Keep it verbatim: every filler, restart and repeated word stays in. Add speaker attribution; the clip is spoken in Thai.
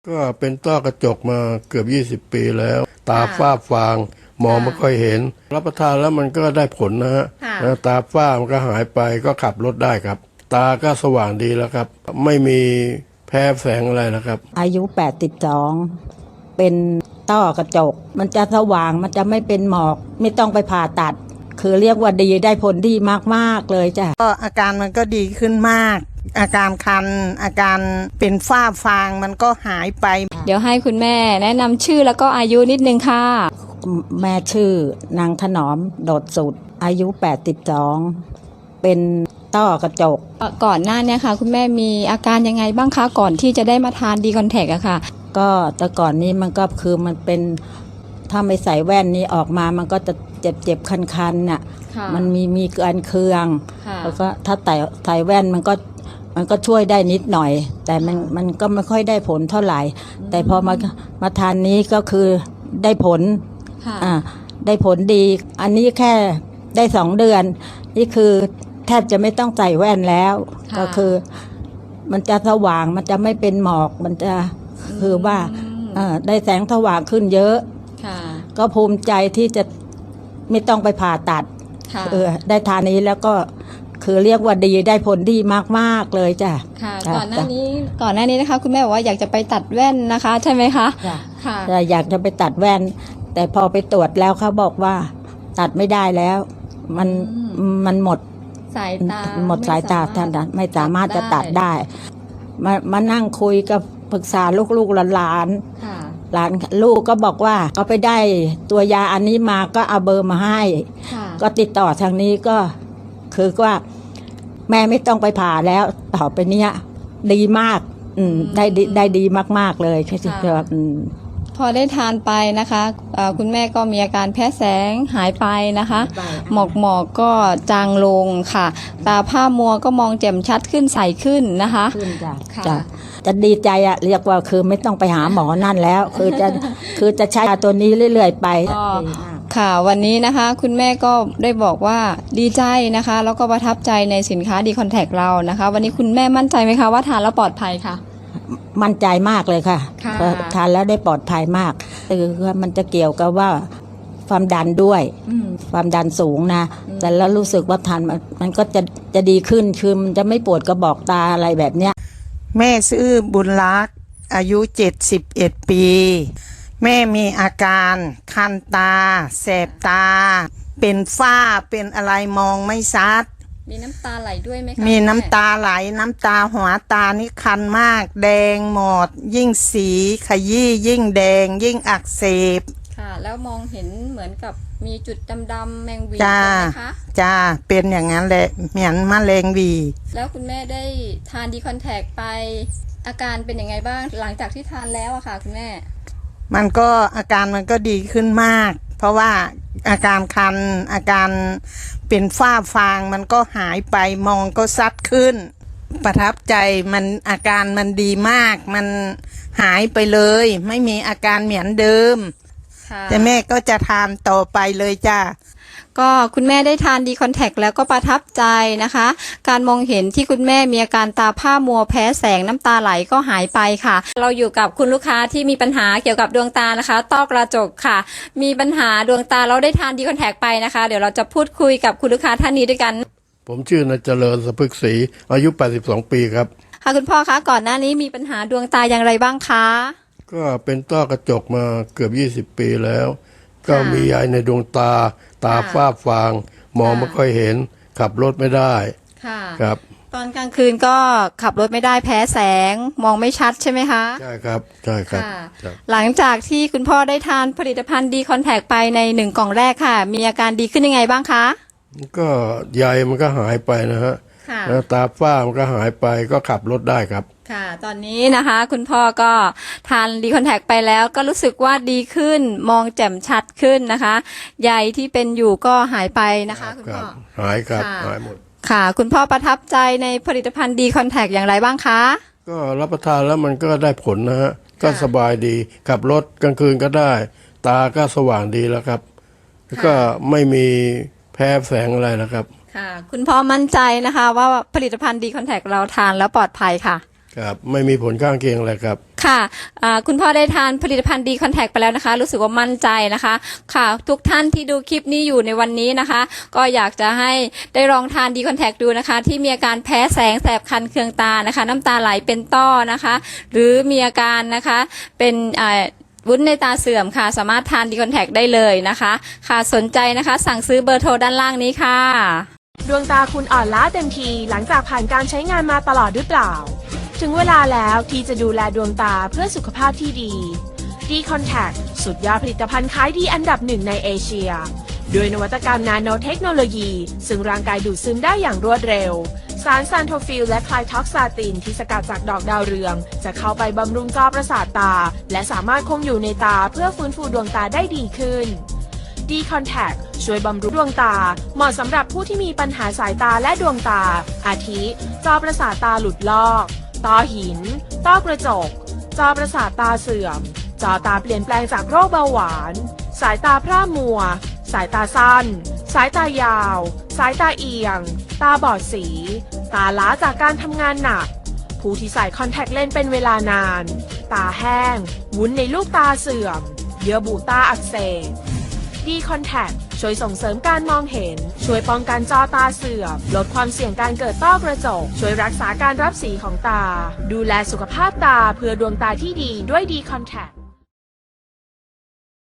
Speaker 1: ก็เป็นต้อกระจกมาเกือบยี่สิบปีแล้วตาฝ้าฟางมองไม่ค่อยเห็นรับประทานแล้วมันก็ได้ผลนะฮะตาฝ้ามันก็หายไปก็ขับรถได้ครับตาก็สว่างดีแล้วครับไม่มีแพ้แสงอะไรนะครับ
Speaker 2: อายุแปดสิบสองเป็นต้อกระจกมันจะสว่างมันจะไม่เป็นหมอกไม่ต้องไปผ่าตัดคือเรียกว่าดีได้ผลดีมากๆเลยจ้ะ
Speaker 3: ก็อาการมันก็ดีขึ้นมากอาการคันอาการเป็นฝ้าฟางมันก็หายไป
Speaker 4: เดี๋ยวให้คุณแม่แนะนำชื่อแล้วก็อายุนิดนึงค่ะ
Speaker 2: แม่ชื่อนางถนอมโดดสุดอายุแปดสิบสองเป็นต้อกระจก
Speaker 4: ก่อนหน้านี้ค่ะคุณแม่มีอาการยังไงบ้างคะก่อนที่จะได้มาทานดีคอนแทคอะค่ะ
Speaker 2: ก็แต่ก่อนนี้มันก็คือมันเป็นถ้าไม่ใส่แว่นนี้ออกมามันก็จะเจ็บเจ็บคันๆน่ะมันมีมีการเคืองแล้วก็ถ้าใส่ใส่แว่นมันก็มันก็ช่วยได้นิดหน่อยแต่มันมันก็ไม่ค่อยได้ผลเท่าไหร่แต่พอมามาทานนี้ก็คือได้ผลอ่าได้ผลดีอันนี้แค่ได้สองเดือนนี่คือแทบจะไม่ต้องใส่แว่นแล้วก็คือมันจะสว่างมันจะไม่เป็นหมอกมันจะคือว่าได้แสงสว่างขึ้นเยอะก็ภูมิใจที่จะไม่ต้องไปผ่าตัดเออได้ทานนี้แล้วก็คือเรียกว่าดีได้ผลดีมากๆเลยจ้ะ
Speaker 4: ค่ะก่อนหน้านี้ก่อนหน้านี้นะคะคุณแม่บอกว่าอยากจะไปตัดแว่นนะคะใช่ไหมคะ
Speaker 2: ค่ะอยากจะไปตัดแว่นแต่พอไปตรวจแล้วเขาบอกว่าตัดไม่ได้แล้วมันมันหมด
Speaker 4: สายตา
Speaker 2: หมดสายตาท่านไม่สามารถจะตัดได้มามานั่งคุยกับปรึกษาลูกๆหลานหลานลูกก็บอกว่าก็ไปได้ตัวยาอันนี้มาก็เอาเบอร์มาให้ก็ติดต่อทางนี้ก็คือว่าแม่ไม่ต้องไปผ่าแล้วต่อไปเนี้ยดีมากอืมได้ได้ดีมากๆเลยคืออืม
Speaker 4: พอได้ทานไปนะคะคุณแม่ก็มีอาการแพ้แสงหายไปนะคะหมอกหมอกก็จางลงค่ะตาผ้ามัวก็มองแจ่มชัดขึ้นใสขึ้นนะคะ
Speaker 2: ขึ้นจ้ะจ้ะจะดีใจอะเรียกว่าคือไม่ต้องไปหาหมอนั่นแล้วคือจะคือจะใช้ตัวนี้เรื่อยๆไป
Speaker 4: ค่ะวันนี้นะคะคุณแม่ก็ได้บอกว่าดีใจนะคะแล้วก็ประทับใจในสินค้าดีคอนแทคเรานะคะวันนี้คุณแม่มั่นใจไหมคะว่าทานแล้วปลอดภัยค่ะ
Speaker 2: มั่นใจมากเลยค่ะทานแล้วได้ปลอดภัยมากคือมันจะเกี่ยวกับว่าความดันด้วยความดันสูงนะแต่แล้วรู้สึกว่าทานมันก็จะจะดีขึ้นคือมันจะไม่ปวดกระบอกตาอะไรแบบเนี้ย
Speaker 3: แม่ชื่อบุญรักษ์อายุเจ็ดสิบเอ็ดปีแม่มีอาการคันตาแสบตาเป็นฝ้าเป็นอะไรมองไม่ชัด
Speaker 4: มีน้ำตาไหลด้วยไหมคะ
Speaker 3: มีน้ำตาไหลน้ำตาหัวตานี่คันมากแดงหมดยิ่งสีขยี้ยิ่งแดงยิ่งอักเสบ
Speaker 4: ค่ะแล้วมองเห็นเหมือนกับมีจุดดำๆแมงวีใช่ไหมคะ
Speaker 3: จ้าเป็นอย่างนั้นแหละเหมือนมะเร็งวี
Speaker 4: แล้วคุณแม่ได้ทานดีคอนแทคไปอาการเป็นยังไงบ้างหลังจากที่ทานแล้วอะค่ะคุณแม่
Speaker 3: มันก็อาการมันก็ดีขึ้นมากเพราะว่าอาการคันอาการเป็นฝ้าฟางมันก็หายไปมองก็ซัดขึ้นประทับใจมันอาการมันดีมากมันหายไปเลยไม่มีอาการเหมือนเดิมแต่แม่ก็จะทานต่อไปเลยจ้า
Speaker 4: ก็คุณแม่ได้ทานดีคอนแทคแล้วก็ประทับใจนะคะการมองเห็นที่คุณแม่มีอาการตาผ้ามัวแพ้แสงน้ำตาไหลก็หายไปค่ะเราอยู่กับคุณลูกค้าที่มีปัญหาเกี่ยวกับดวงตานะคะต้อกระจกค่ะมีปัญหาดวงตาเราได้ทานดีคอนแทคไปนะคะเดี๋ยวเราจะพูดคุยกับคุณลูกค้าท่านนี้ด้วยกัน
Speaker 1: ผมชื่อนายเจริญสะพึกศรีอายุแปดสิบสองปีครับ
Speaker 4: ค่ะคุณพ่อคะก่อนหน้านี้มีปัญหาดวงตาอย่างไรบ้างคะ
Speaker 1: ก็เป็นต้อกระจกมาเกือบยี่สิบปีแล้วก็มียายในดวงตาตาฝ้าฟางมองไม่ค่อยเห็นขับรถไม่ได้ครับ
Speaker 4: ตอนกลางคืนก็ขับรถไม่ได้แพ้แสงมองไม่ชัดใช่ไหมคะ
Speaker 1: ใช่ครับใช่ครับ
Speaker 4: หลังจากที่คุณพ่อได้ทานผลิตภัณฑ์ดีคอนแทคไปในหนึ่งกล่องแรกค่ะมีอาการดีขึ้นยังไงบ้างคะ
Speaker 1: ก็ใยมันก็หายไปนะฮะแล้วตาฝ้ามันก็หายไปก็ขับรถได้ครับ
Speaker 4: ค่ะตอนนี้นะคะคุณพ่อก็ทานดีคอนแทคไปแล้วก็รู้สึกว่าดีขึ้นมองแจ่มชัดขึ้นนะคะใยที่เป็นอยู่ก็หายไปนะคะคุณพ่อ
Speaker 1: หายครับหายหมด
Speaker 4: ค่ะคุณพ่อประทับใจในผลิตภัณฑ์ดีคอนแทคอย่างไรบ้างคะ
Speaker 1: ก็รับประทานแล้วมันก็ได้ผลนะฮะก็สบายดีขับรถกลางคืนก็ได้ตาก็สว่างดีแล้วครับก็ไม่มีแพ้แสงอะไรนะครับ
Speaker 4: ค่ะคุณพ่อมั่นใจนะคะว่าผลิตภัณฑ์ดีคอนแทคเราทานแล้วปลอดภัยค่ะ
Speaker 1: ครับไม่มีผลข้างเคียงอะไรครับ
Speaker 4: ค่ะคุณพ่อได้ทานผลิตภัณฑ์ดีคอนแทคไปแล้วนะคะรู้สึกว่ามั่นใจนะคะค่ะทุกท่านที่ดูคลิปนี้อยู่ในวันนี้นะคะก็อยากจะให้ได้ลองทานดีคอนแทคดูนะคะที่มีอาการแพ้แสงแสบคันเคืองตานะคะน้ำตาไหลเป็นต้อนะคะหรือมีอาการนะคะเป็นวุ้นในตาเสื่อมค่ะสามารถทานดีคอนแทคได้เลยนะคะค่ะสนใจนะคะสั่งซื้อเบอร์โทรด้านล่างนี้ค่ะ
Speaker 5: ดวงตาคุณอ่อนล้าเต็มทีหลังจากผ่านการใช้งานมาตลอดหรือเปล่าถึงเวลาแล้วที่จะดูแลดวงตาเพื่อสุขภาพที่ดี D Contact สุดยอดผลิตภัณฑ์ขายดีอันดับหนึ่งในเอเชียด้วยนวัตกรรมนาโนเทคโนโลยีซึ่งร่างกายดูดซึมได้อย่างรวดเร็วสารซานโทฟิลและไคลท็อกซาตินที่สกัดจากดอกดาวเรืองจะเข้าไปบำรุงจอประสาทตาและสามารถคงอยู่ในตาเพื่อฟื้นฟูดวงตาได้ดีขึ้น D Contact ช่วยบำรุงดวงตาเหมาะสำหรับผู้ที่มีปัญหาสายตาและดวงตาอาทิจอประสาทตาหลุดลอกต้อหินต้อกระจกจอประสาทตาเสื่อมจอตาเปลี่ยนแปลงจากโรคเบาหวานสายตาพร่ามัวสายตาสั้นสายตายาวสายตาเอียงตาบอดสีตาล้าจากการทำงานหนักผู้ที่ใส่คอนแทคเลนส์เป็นเวลานานตาแห้งวุ้นในลูกตาเสื่อมเยื่อบุตาอักเสบD Contact ช่วยส่งเสริมการมองเห็นช่วยป้องกันจอตาเสื่อมลดความเสี่ยงการเกิดต้อกระจกช่วยรักษาการรับสีของตาดูแลสุขภาพตาเพื่อดวงตาที่ดีด้วยD Contact